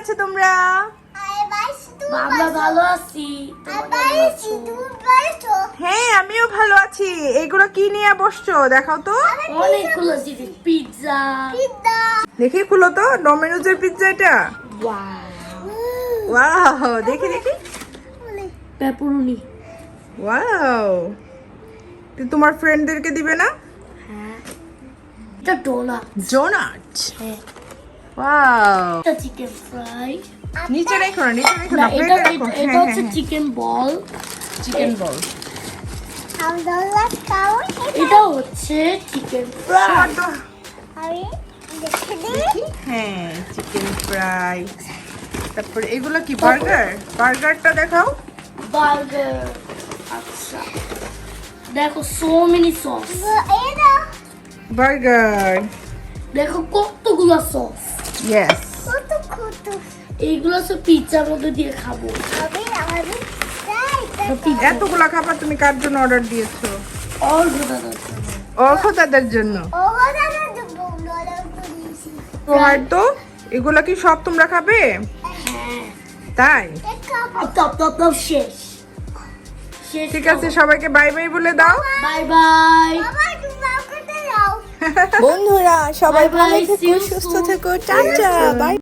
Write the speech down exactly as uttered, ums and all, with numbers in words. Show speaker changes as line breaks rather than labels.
আছো তোমরা?
আমরা ভালো আছি।
হ্যাঁ আমিও ভালো আছি। এগুলো কি নিয়ে বসছো দেখাও তো।
অনেকগুলো জিনিস, পিৎজা।
দেখি খুলো তো, ডমিনোজের পিৎজা এটা। ওয়াও, দেখি দেখি।
পেপারনি।
ওয়াও, তোমার ফ্রেন্ডদেরকে দিবে না?
হ্যাঁ, এটা ডোনাট।
ডোনাট।
হ্যাঁ,
ওয়াও,
এটা চিকেন ফ্রাই।
নিচে রেখো না, নিচে রেখো
না,
না,
এটা
প্লেটে রাখো।
এটা-
হ্যাঁ
এটা
হ্যাঁ
হচ্ছে
হ্যাঁ,
চিকেন বল।
চিকেন বল।
এটা হচ্ছে চিকেন ফ্রাই।
হ্যাঁ, চিকেন ফ্রাই। তারপরে এগুলো কি বার্গার? বার্গারটা দেখাও।
বার্গার। আচ্ছা, দেখো সো মেনি সস।
বার্গার।
দেখো কতগুলো সস।
ইয়েস।
এইগুলো সব পিৎজার মধ্যে দিয়ে খাবো। পিৎজা
এতগুলা খাবার তুমি কার জন্য অর্ডার দিয়েছো?
অল ঘোটানোর জন্য।
অর্ক তাদের জন্য। হয়তো এগুলা কি সব তোমরা খাবে?
হ্যাঁ,
তাই
টপ টপ টপ শেষ শেষ।
ঠিক আছে, সবাইকে বাই বাই বলে দাও।
Bye bye.
বন্ধুরা সবাই
Bye bye,
ভালো
see
থেকো,
you
সুস্থ
soon.
থেকো, টাটা, বাই।